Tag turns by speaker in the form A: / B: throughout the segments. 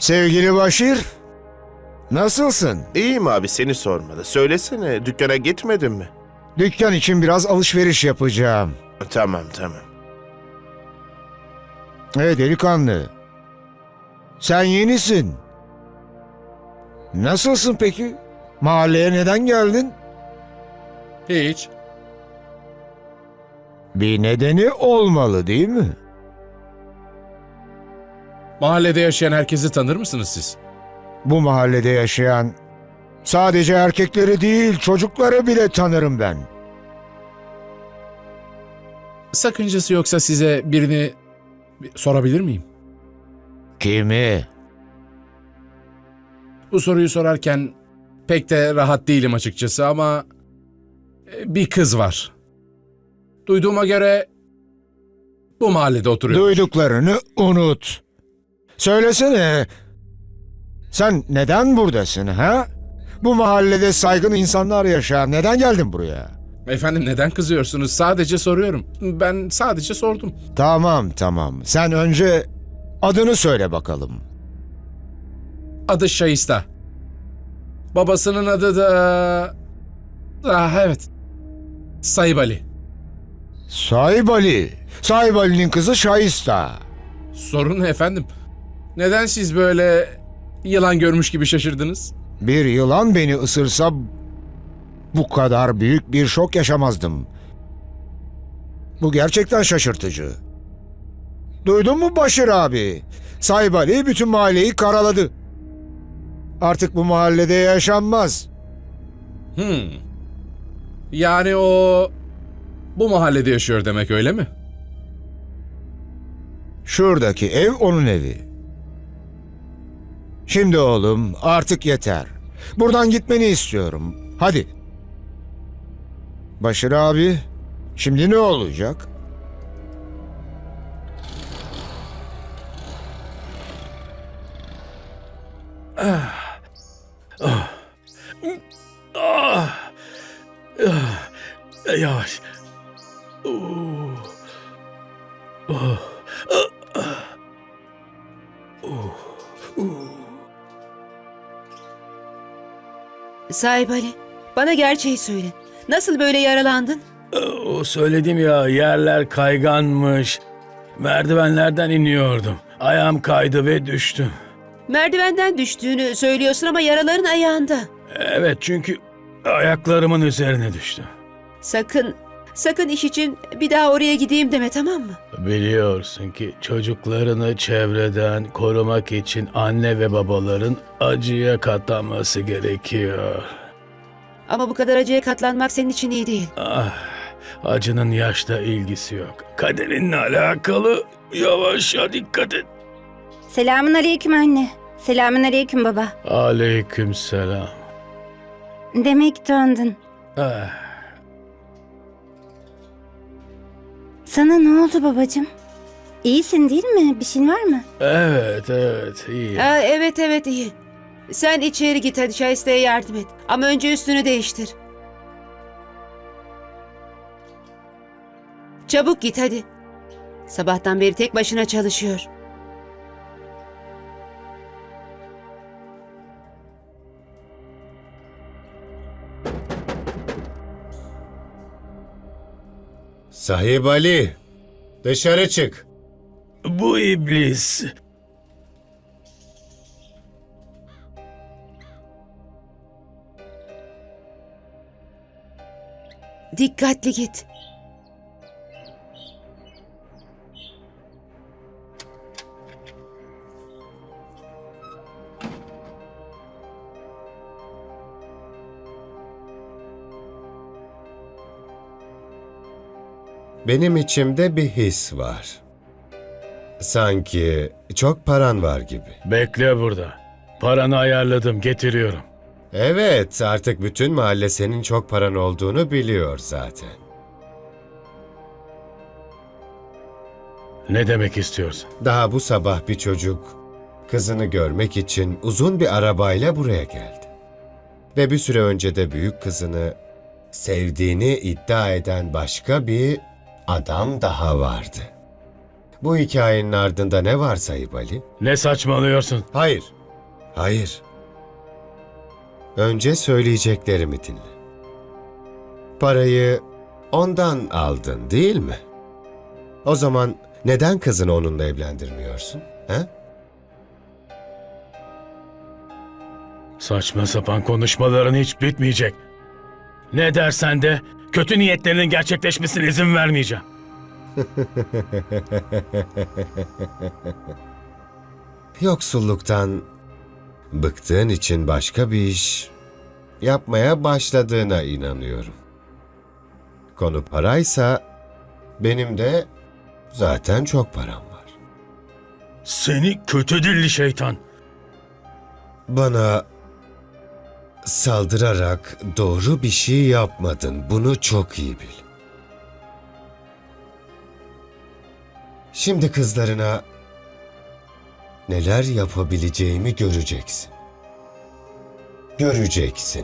A: Sevgili Başir, nasılsın?
B: İyiyim abi, seni sormalı. Söylesene, dükkana gitmedin mi?
A: Dükkan için biraz alışveriş yapacağım.
B: Tamam.
A: Delikanlı. Sen yenisin. Nasılsın peki? Mahalleye neden geldin?
C: Hiç.
A: Bir nedeni olmalı değil mi?
C: Mahallede yaşayan herkesi tanır mısınız siz?
A: Bu mahallede yaşayan sadece erkekleri değil çocukları bile tanırım ben.
C: Sakıncası yoksa size birini sorabilir miyim?
A: Kimi?
C: Bu soruyu sorarken pek de rahat değilim açıkçası ama bir kız var. Duyduğuma göre bu mahallede oturuyor.
A: Duyduklarını unut. Söylesene. Sen neden buradasın ha? Bu mahallede saygın insanlar yaşar. Neden geldin buraya?
C: Efendim neden kızıyorsunuz? Sadece soruyorum. Ben sadece sordum.
A: Tamam. Sen önce adını söyle bakalım.
C: Adı Şahista. Babasının adı da... evet. Sahip Ali.
A: Sahip Ali. Sahip Ali'nin kızı Şahista.
C: Sorun ne efendim? Neden siz böyle yılan görmüş gibi şaşırdınız?
A: Bir yılan beni ısırsa bu kadar büyük bir şok yaşamazdım. Bu gerçekten şaşırtıcı. Duydun mu Başır abi? Sahip Ali bütün mahalleyi karaladı. Artık bu mahallede yaşanmaz.
C: Yani o bu mahallede yaşıyor demek, öyle mi?
A: Şuradaki ev onun evi. Şimdi oğlum artık yeter. Buradan gitmeni istiyorum. Hadi. Başır abi, şimdi ne olacak?
D: Yavaş.
E: Sahip Ali, bana gerçeği söyle. Nasıl böyle yaralandın?
D: O söyledim ya, yerler kayganmış. Merdivenlerden iniyordum. Ayağım kaydı ve düştüm.
E: Merdivenden düştüğünü söylüyorsun ama yaraların ayağında.
D: Evet, çünkü ayaklarımın üzerine düştüm.
E: Sakın iş için bir daha oraya gideyim deme, tamam mı?
D: Biliyorsun ki çocuklarını çevreden korumak için anne ve babaların acıya katlanması gerekiyor.
E: Ama bu kadar acıya katlanmak senin için iyi değil.
D: Acının yaşla ilgisi yok. Kaderinle alakalı. Yavaşça dikkat et.
F: Selamun aleyküm anne. Selamun aleyküm baba.
D: Aleykümselam.
F: Demek döndün.
D: Ah,
F: Sana ne oldu babacığım? İyisin değil mi? Bir şeyin var mı?
D: evet iyi.
E: Evet iyi. Sen içeri git, hadi Şahiste'ye yardım et. Ama önce üstünü değiştir. Çabuk git hadi. Sabahtan beri tek başına çalışıyor.
G: Sahip Ali, dışarı çık.
D: Bu iblis.
E: Dikkatli git.
G: Benim içimde bir his var. Sanki çok paran var gibi.
D: Bekle burada. Paranı ayarladım, getiriyorum.
G: Evet, artık bütün mahalle senin çok paran olduğunu biliyor zaten.
D: Ne demek istiyorsun?
G: Daha bu sabah bir çocuk kızını görmek için uzun bir arabayla buraya geldi. Ve bir süre önce de büyük kızını sevdiğini iddia eden başka bir adam daha vardı. Bu hikayenin ardında ne var Sahip Ali?
D: Ne saçmalıyorsun?
G: Hayır, Hayır. Önce söyleyeceklerimi dinle. Parayı ondan aldın, değil mi? O zaman neden kızını onunla evlendirmiyorsun? He?
D: Saçma sapan konuşmaların hiç bitmeyecek. Ne dersen de kötü niyetlerinin gerçekleşmesine izin vermeyeceğim.
G: Yoksulluktan bıktığın için başka bir iş yapmaya başladığına inanıyorum. Konu paraysa benim de zaten çok param var.
D: Seni kötü dilli şeytan.
G: Bana saldırarak doğru bir şey yapmadın. Bunu çok iyi bil. Şimdi kızlarına neler yapabileceğimi göreceksin. Göreceksin.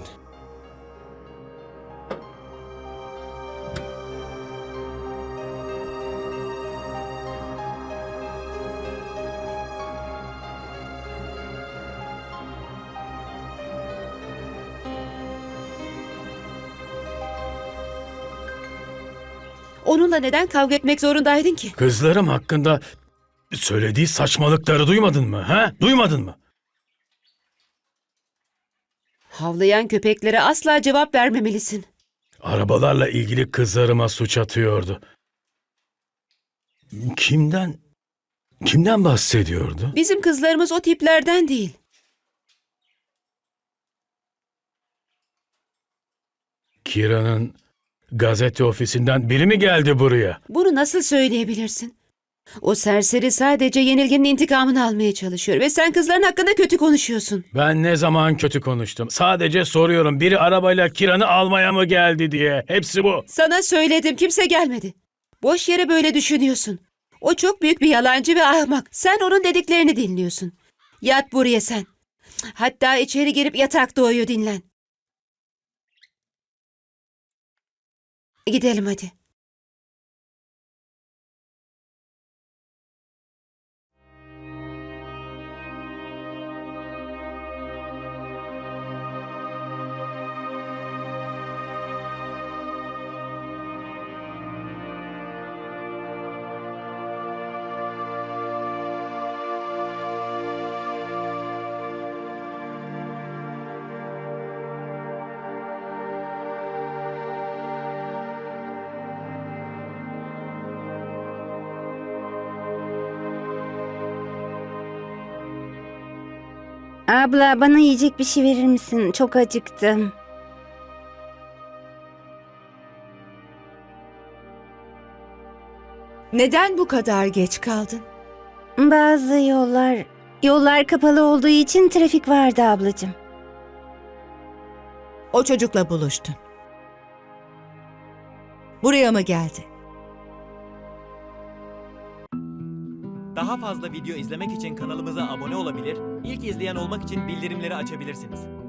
E: Onunla neden kavga etmek zorundaydın ki?
D: Kızlarım hakkında söylediği saçmalıkları duymadın mı? Ha? Duymadın mı?
E: Havlayan köpeklere asla cevap vermemelisin.
D: Arabalarla ilgili kızlarıma suç atıyordu. Kimden bahsediyordu?
E: Bizim kızlarımız o tiplerden değil.
D: Kira'nın gazete ofisinden biri mi geldi buraya?
E: Bunu nasıl söyleyebilirsin? O serseri sadece yenilginin intikamını almaya çalışıyor ve sen kızların hakkında kötü konuşuyorsun.
D: Ben ne zaman kötü konuştum? Sadece soruyorum, biri arabayla Kira'nı almaya mı geldi diye. Hepsi bu.
E: Sana söyledim, kimse gelmedi. Boş yere böyle düşünüyorsun. O çok büyük bir yalancı ve ahmak. Sen onun dediklerini dinliyorsun. Yat buraya sen. Hatta içeri girip yatakta uyu, dinlen. Gidelim hadi.
F: Abla bana yiyecek bir şey verir misin? Çok acıktım.
H: Neden bu kadar geç kaldın?
F: Bazı yollar kapalı olduğu için trafik vardı ablacığım.
H: O çocukla buluştun. Buraya mı geldi?
I: Daha fazla video izlemek için kanalımıza abone olabilir, ilk izleyen olmak için bildirimleri açabilirsiniz.